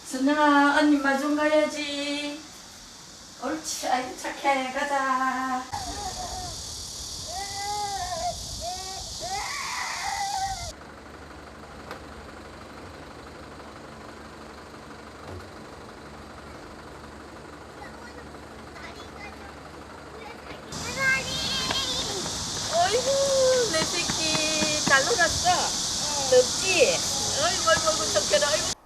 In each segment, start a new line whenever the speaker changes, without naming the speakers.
순영아, 언니 마중 가야지. 옳지, 아이고 착해. 가자. 어이구, 내 새끼 잘 놀았어. 덥지? 어이구, 어이구, 어이구, 좋게라. 어이구.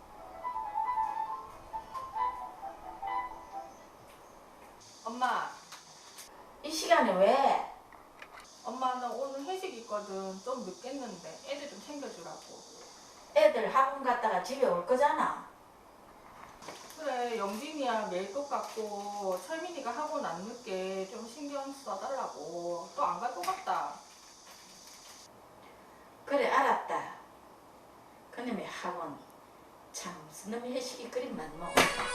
엄마,
이 시간에 왜?
엄마 나 오늘 회식 있거든. 좀 늦겠는데 애들 좀 챙겨주라고.
애들 학원 갔다가 집에 올 거잖아.
그래, 영진이야 매일 똑같고 철민이가 학원 안 늦게 좀 신경 써달라고. 또 안 갈 것 같다.
그래, 알았다. 그놈의 학원. 참, 무슨 놈의 회식이 그리 많노.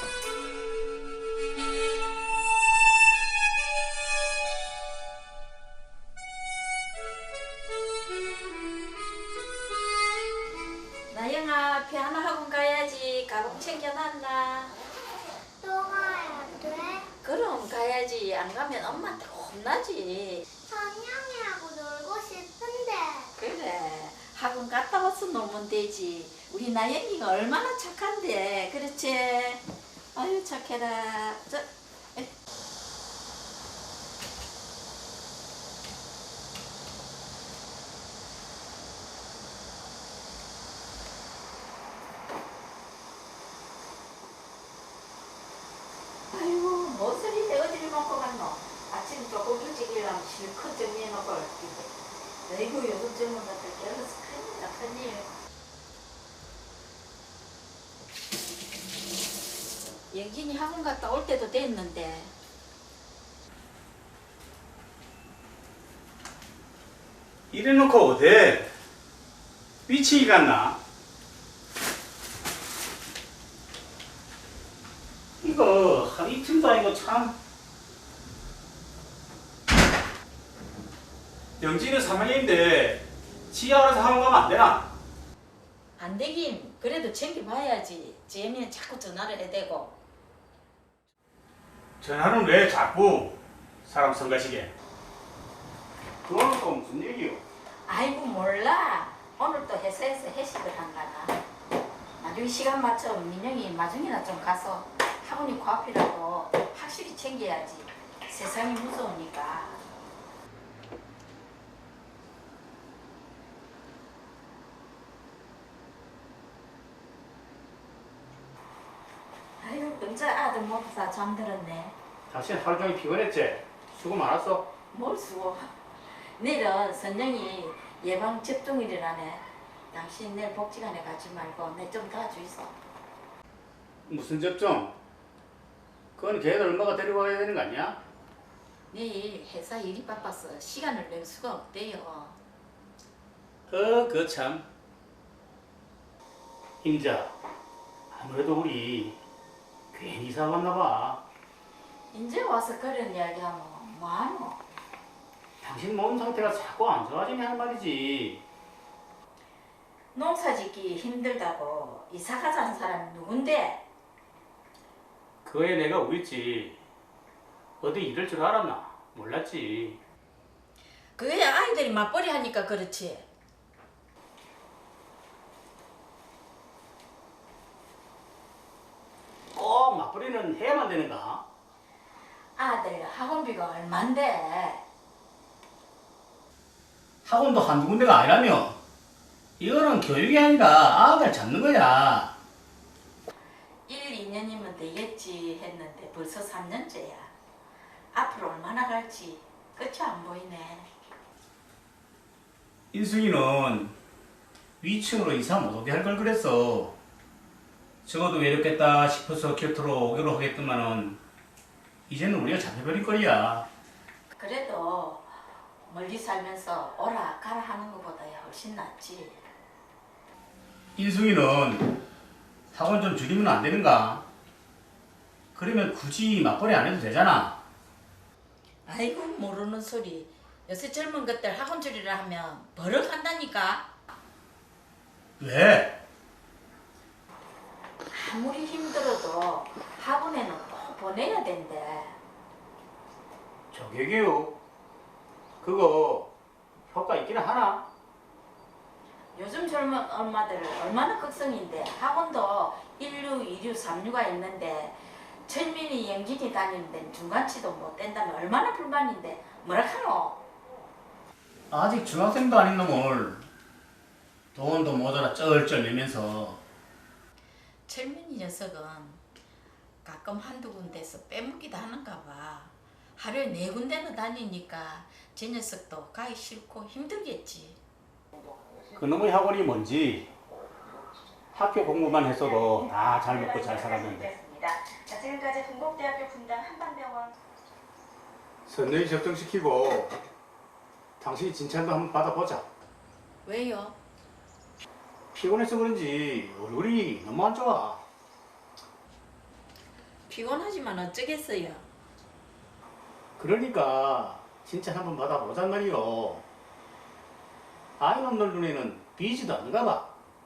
나영아, 피아노 학원 가야지. 가방 챙겨놨나?
또 가야 돼?
그럼 가야지. 안 가면 엄마한테 혼나지.
선영이하고 놀고 싶은데.
그래, 학원 갔다 와서 놀면 되지. 우리 나영이가 얼마나 착한데. 그렇지? 아유, 착해라. 아이고, 무슨 일에 어디를 먹고 갔노? 아침 조금 일찍 일어나면 실컷 정리해놓고 올게. 아이고, 요즘 젊은 것들 깨어서 큰일이다, 큰일. 영진이 학원 갔다 올 때도 됐는데.
이래놓고 어디 위치기 갔나? 이거 한 이틀도 아니고 참. 영진은 3학년인데 지 알아서 학원 가면 안 되나?
안 되긴 그래도 챙겨봐야지. 쟤는 자꾸 전화를 해대고.
전화는 왜 자꾸 사람 성가시게? 그거는 또 무슨 얘기요?
아이고 몰라. 오늘 또 회사에서 회식을 한가나. 나중에 시간 맞춰 민영이 마중이나 좀 가서 학원이 코앞이라도 확실히 챙겨야지. 세상이 무서우니까. 아이고 혼자 아들 모두 다 잠들었네.
당신 하루 종일 피곤했지? 수고 많았어?
뭘 수고. 내일은 선영이 예방 접종일이라네. 당신 내일 복지관에 가지 말고 내 좀 도와주이소.
무슨 접종? 그건 걔들 엄마가 데리고 가야 되는 거 아니야?
내일 회사 일이 바빠서 시간을 낼 수가 없대요.
그 참. 임자, 아무래도 우리 괜히 이사 왔나 봐.
이제 와서 그런 이야기하면 뭐하노?
당신 몸 상태가 자꾸 안 좋아지네 할 말이지.
농사 짓기 힘들다고 이사 가자는 사람이 누군데?
그에 내가 우있지. 어디 이럴 줄 알았나? 몰랐지.
그게 아이들이 맞벌이 하니까 그렇지.
꼭 맞벌이는 해야만 되는가?
아들 학원비가 얼만데?
학원도 한두 군데가 아니라며. 이거는 교육이 아니라 아들 잡는 거야.
1, 2년이면 되겠지 했는데 벌써 3년째야. 앞으로 얼마나 갈지 끝이 안 보이네.
인숙이는 위층으로 이사 못 오게 할 걸 그랬어. 적어도 외롭겠다 싶어서 곁으로 오기로 하겠더만은 이제는 우리가 잡혀버릴 거야.
그래도 멀리 살면서 오라 가라 하는 것보다야 훨씬 낫지.
인숙이는 학원 좀 줄이면 안 되는가? 그러면 굳이 맞벌이 안 해도 되잖아.
아이고 모르는 소리. 요새 젊은 것들 학원 줄이라 하면 버럭한다니까.
왜?
아무리 힘들어도 학원에는 꼭 보내야 된대.
조개교육 그거 효과 있기는 하나?
요즘 젊은 엄마들 얼마나 극성인데 학원도 1류, 2류, 3류가 있는데 철민이, 영진이 다니는 데는 중간치도 못 뗀다면 얼마나 불만인데 뭐라 카노?
아직 중학생도 아닌 놈을 돈도 모자라 쩔쩔 매면서
철민이 녀석은 가끔 한두 군데서 빼먹기도 하는가 봐. 하루에 4군데는 다니니까 제 녀석도 가기 싫고 힘들겠지.
그놈의 학원이 뭔지 학교 공부만 했어도 다 잘 먹고 잘 살았는데
자, 지금까지 동국대학교 분당 한방병원
선녀히 접종시키고 당신이 진찰도 한번 받아보자.
왜요?
피곤해서 그런지 얼굴이 너무 안 좋아.
피곤하지만 어쩌겠어요.
그러니까 진찰 한번 받아보잔 말이요. 아이놈들 눈에는 비지도 않는가 봐.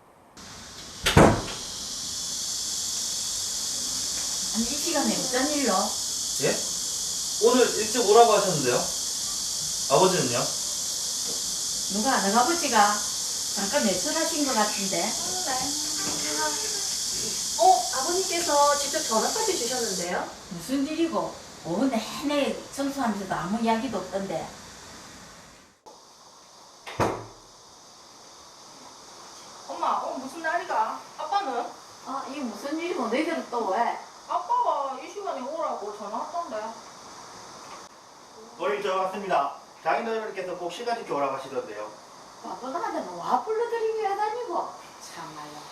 아니 이 시간에 어쩐 일로?
예? 오늘 일찍 오라고 하셨는데요? 아버지는요?
누가 너아버지가 잠깐 외출하신 것 같은데.
아버님께서 직접 전화까지 주셨는데요?
무슨 일이고 오후 내내 청소하면서도 아무 이야기도 없던데.
엄마, 무슨 날이가? 아빠는?
아 이게 무슨 일이고 너희들은 또 왜?
아빠가 이 시간에 오라고 전화 왔던데.
오늘 저 왔습니다. 장인어른께서 꼭 시간 지켜 오라고 하시던데요.
바쁘다가는 와 불러드리기 왜 다니고 참말로.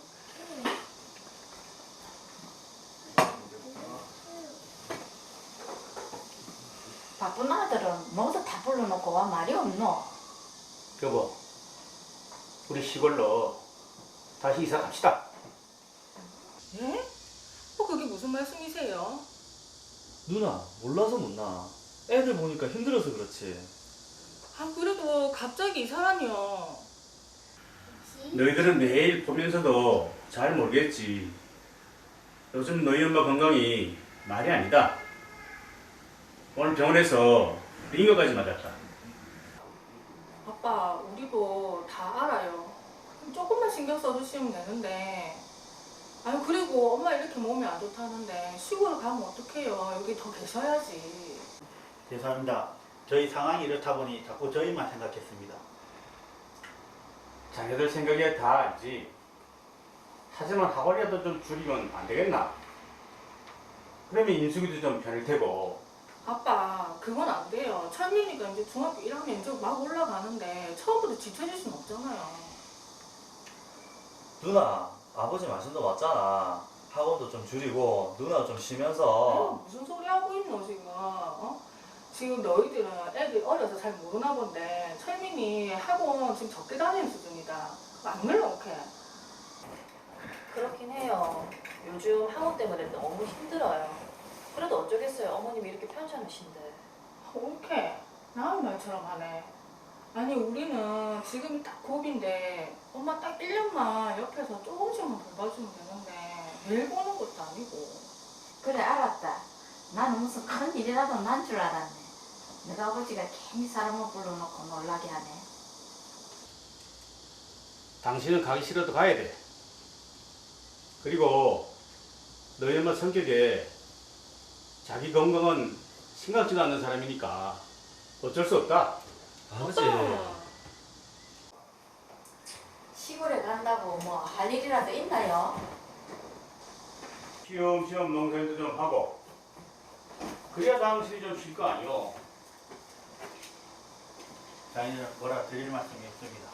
바쁜 아들은 모두 다 불러놓고 와 말이 없노?
여보, 우리 시골로 다시 이사 갑시다.
예? 그게 무슨 말씀이세요?
누나 몰라서 못 나. 애들 보니까 힘들어서 그렇지.
그래도 갑자기 이사라니요.
너희들은 매일 보면서도 잘 모르겠지. 요즘 너희 엄마 건강이 말이 아니다. 오늘 병원에서 링거까지 맞았다.
아빠, 우리도 다 알아요. 조금만 신경 써주시면 되는데. 그리고 엄마 이렇게 몸이 안 좋다는데 시골 가면 어떡해요? 여기 더 계셔야지.
죄송합니다. 저희 상황이 이렇다 보니 자꾸 저희만 생각했습니다.
자녀들 생각에 다 알지. 하지만 학원이라도 좀 줄이면 안 되겠나? 그러면 인숙이도 좀 편할 테고.
아빠, 그건 안 돼요. 철민이가 이제 중학교 1학년 이제 막 올라가는데 처음부터 지쳐질 순 없잖아요.
누나 아버지 말씀도 맞잖아. 학원도 좀 줄이고 누나 좀 쉬면서.
무슨 소리 하고 있노 지금? 지금 너희들은 애들 어려서 잘 모르나 본데 철민이 학원 지금 적게 다니는 수준이다. 안 늘어놓게.
그렇긴 해요. 요즘 학원 때문에 너무 힘들어요. 그래도 어쩌겠어요. 어머님이 이렇게 편찮으신데.
오케이. 나은 말처럼 하네. 아니 우리는 지금이 딱 고비인데 엄마 딱 1년만 옆에서 조금씩만 돌봐주면 되는데 매일 보는 것도 아니고.
그래 알았다. 나는 무슨 큰 일이라도 난 줄 알았네. 내가 아버지가 괜히 사람을 불러놓고 놀라게 하네.
당신은 가기 싫어도 가야 돼. 그리고 너희 엄마 성격에 자기 건강은 생각지도 않는 사람이니까 어쩔 수 없다.
아버지.
시골에 간다고 뭐 할 일이라도 있나요?
시험시험 농사일도 좀 하고 그래야 당신이 좀 쉴 거 아니오.
장인어른 뭐라 드릴 말씀이 없습니다.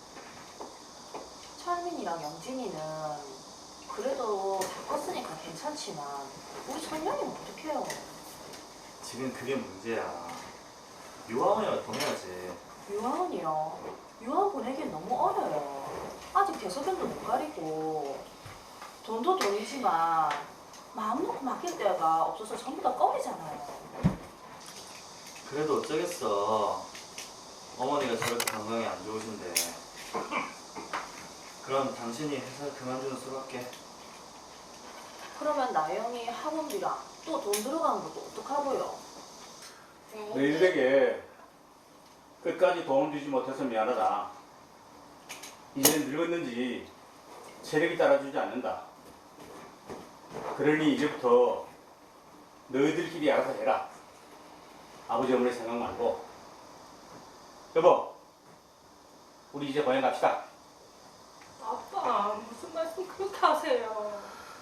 철민이랑 영진이는 그래도 다 컸으니까 괜찮지만 우리 천명이는 어떡해요?
지금 그게 문제야. 유아원이라 보내야지.
유아원이요. 유아원 보내기엔 너무 어려요. 아직 대소변도 못 가리고 돈도 돈이지만 마음 놓고 맡길 데가 없어서 전부 다 껌이잖아요.
그래도 어쩌겠어. 어머니가 저렇게 건강이 안 좋으신데. 그럼 당신이 회사 그만두는 수밖에.
그러면 나영이 학원비랑 또 돈 들어가는 것도 어떡하고요?
너희들에게 끝까지 도움 주지 못해서 미안하다. 이제는 늙었는지 체력이 따라주지 않는다. 그러니 이제부터 너희들끼리 알아서 해라. 아버지 어머니 생각 말고. 여보, 우리 이제 고향 갑시다.
아빠 무슨 말씀 그렇게 하세요?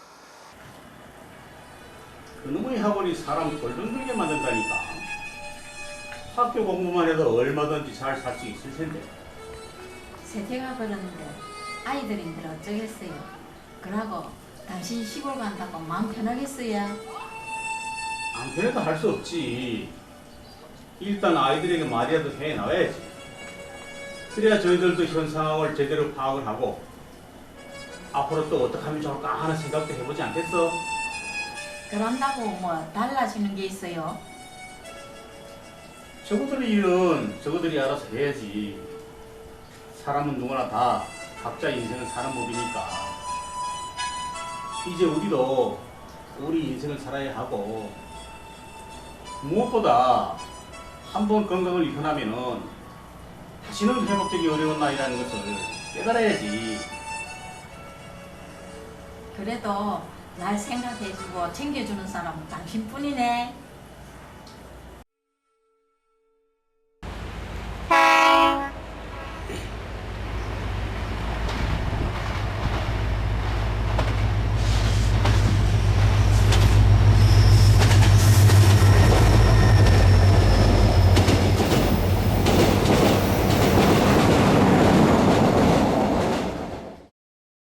그놈의 학원이 사람 골든들게 만든다니까. 학교 공부만 해도 얼마든지 잘 살 수 있을 텐데.
세태가 그러는데 아이들인들 어쩌겠어요. 그러고 당신 시골 간다고 마음 편하겠어요?
안 편해도 할 수 없지. 일단 아이들에게 말이라도 해 나와야지. 그래야 저희들도 현 상황을 제대로 파악을 하고 앞으로 또 어떻게 하면 좋을까 하는 생각도 해보지 않겠어?
그런다고 뭐 달라지는 게 있어요?
저거들의 일은 저거들이 알아서 해야지. 사람은 누구나 다 각자 인생을 사는 법이니까. 이제 우리도 우리 인생을 살아야 하고, 무엇보다 한 번 건강을 잃어나면은 다시는 회복되기 어려운 나이라는 것을 깨달아야지.
그래도 날 생각해주고 챙겨주는 사람은 당신뿐이네.